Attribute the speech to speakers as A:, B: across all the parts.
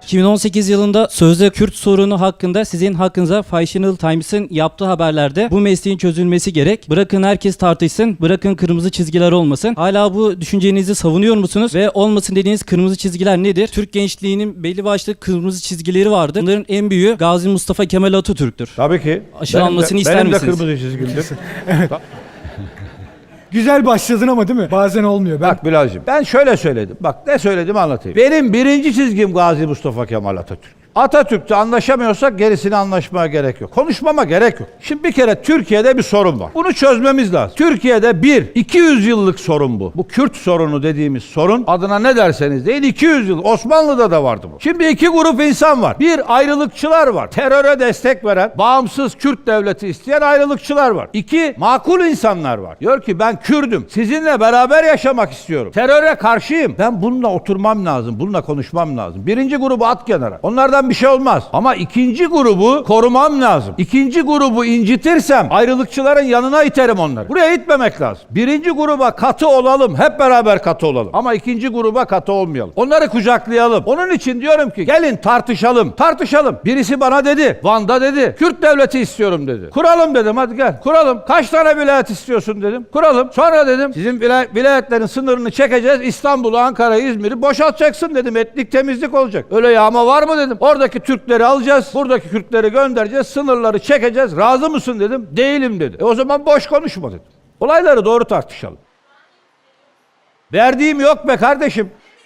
A: 2018 yılında sözde Kürt sorunu hakkında sizin hakkınıza Financial Times'ın yaptığı haberlerde bu mesleğin çözülmesi gerek. Bırakın herkes tartışsın, bırakın kırmızı çizgiler olmasın. Hala bu düşüncenizi savunuyor musunuz? Ve olmasın dediğiniz kırmızı çizgiler nedir? Türk gençliğinin belli başlı kırmızı çizgileri vardı. Bunların en büyüğü Gazi Mustafa Kemal Atatürk'tür.
B: Tabii ki.
A: Aşılanmasını ister misiniz?
B: Benim de kırmızı çizgimdir.
C: Evet. Güzel başladın ama değil mi? Bazen olmuyor.
B: Bak Bilal'cim, ben şöyle söyledim. Bak ne söyledim anlatayım. Benim birinci çizgim Gazi Mustafa Kemal Atatürk. Atatürk'te anlaşamıyorsak gerisini anlaşmaya gerek yok. Konuşmama gerek yok. Şimdi bir kere Türkiye'de bir sorun var. Bunu çözmemiz lazım. Türkiye'de 200 yıllık sorun bu. Bu Kürt sorunu dediğimiz sorun, adına ne derseniz deyin, 200 yıl. Osmanlı'da da vardı bu. Şimdi iki grup insan var. Bir, ayrılıkçılar var. Teröre destek veren, bağımsız Kürt devleti isteyen ayrılıkçılar var. İki, makul insanlar var. Diyor ki ben Kürdüm. Sizinle beraber yaşamak istiyorum. Teröre karşıyım. Ben bununla oturmam lazım. Bununla konuşmam lazım. Birinci grubu at kenara. Onlardan bir şey olmaz. Ama ikinci grubu korumam lazım. İkinci grubu incitirsem ayrılıkçıların yanına iterim onları. Buraya itmemek lazım. Birinci gruba katı olalım. Hep beraber katı olalım. Ama ikinci gruba katı olmayalım. Onları kucaklayalım. Onun için diyorum ki gelin tartışalım. Tartışalım. Birisi bana dedi. Van'da dedi. Kürt devleti istiyorum dedi. Kuralım dedim, hadi gel. Kuralım. Kaç tane vilayet istiyorsun dedim. Kuralım. Sonra dedim sizin vilayetlerin sınırını çekeceğiz. İstanbul'u, Ankara'yı, İzmir'i boşaltacaksın dedim. Etnik temizlik olacak. Öyle yağma var mı dedim. Oradaki Türkleri alacağız. Buradaki Kürtleri göndereceğiz. Sınırları çekeceğiz. Razı mısın dedim. Değilim dedi. O zaman boş konuşma dedim. Olayları doğru tartışalım. Verdiğim yok be kardeşim.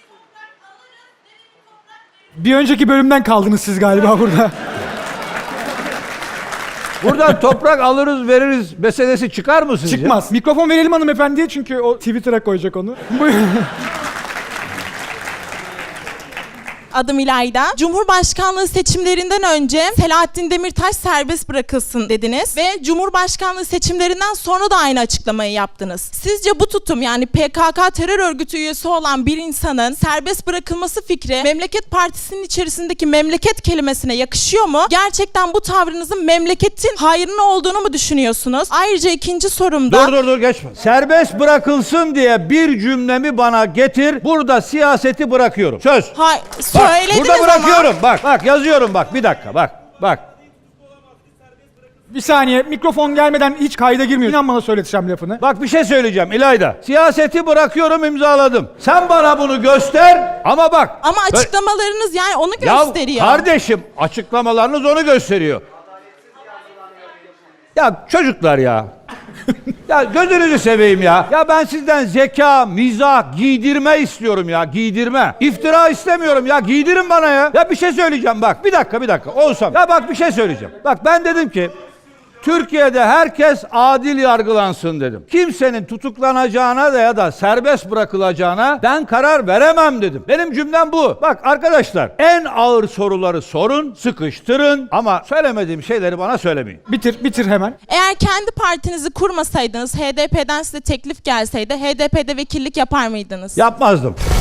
C: Bir önceki bölümden kaldınız siz galiba burada.
B: Buradan toprak alırız veririz meselesi çıkar mı sizce?
C: Çıkmaz. Mikrofon verelim hanımefendiye çünkü o Twitter'a koyacak onu. Buyurun.
D: Adım İlayda. Cumhurbaşkanlığı seçimlerinden önce Selahattin Demirtaş serbest bırakılsın dediniz ve Cumhurbaşkanlığı seçimlerinden sonra da aynı açıklamayı yaptınız. Sizce bu tutum, yani PKK terör örgütü üyesi olan bir insanın serbest bırakılması fikri Memleket Partisi'nin içerisindeki memleket kelimesine yakışıyor mu? Gerçekten bu tavrınızın memleketin hayrına olduğunu mu düşünüyorsunuz? Ayrıca ikinci sorumda...
B: Dur geçme. Serbest bırakılsın diye bir cümlemi bana getir. Burada siyaseti bırakıyorum. Söz.
D: Söylediniz
B: burada bırakıyorum.
D: ama.
B: Bak yazıyorum bak. Bir dakika bak.
C: Bir saniye, mikrofon gelmeden hiç kayda girmiyor. İnan bana söyleteceğim lafını.
B: Bak bir şey söyleyeceğim İlayda. Siyaseti bırakıyorum, imzaladım. Sen bana bunu göster ama bak.
D: Ama açıklamalarınız yani onu gösteriyor.
B: Ya kardeşim, açıklamalarınız onu gösteriyor. Ya çocuklar ya. Ya gözünüzü seveyim ya. Ya ben sizden zeka, mizah, giydirme istiyorum ya, giydirme. İftira istemiyorum ya, giydirin bana ya. Ya bir şey söyleyeceğim bak, bir dakika. Olsam. Ya bak bir şey söyleyeceğim. Bak ben dedim ki Türkiye'de herkes adil yargılansın dedim. Kimsenin tutuklanacağına da ya da serbest bırakılacağına ben karar veremem dedim. Benim cümlem bu. Bak arkadaşlar, en ağır soruları sorun, sıkıştırın ama söylemediğim şeyleri bana söylemeyin.
C: Bitir hemen.
D: Eğer kendi partinizi kurmasaydınız, HDP'den size teklif gelseydi, HDP'de vekillik yapar mıydınız?
B: Yapmazdım.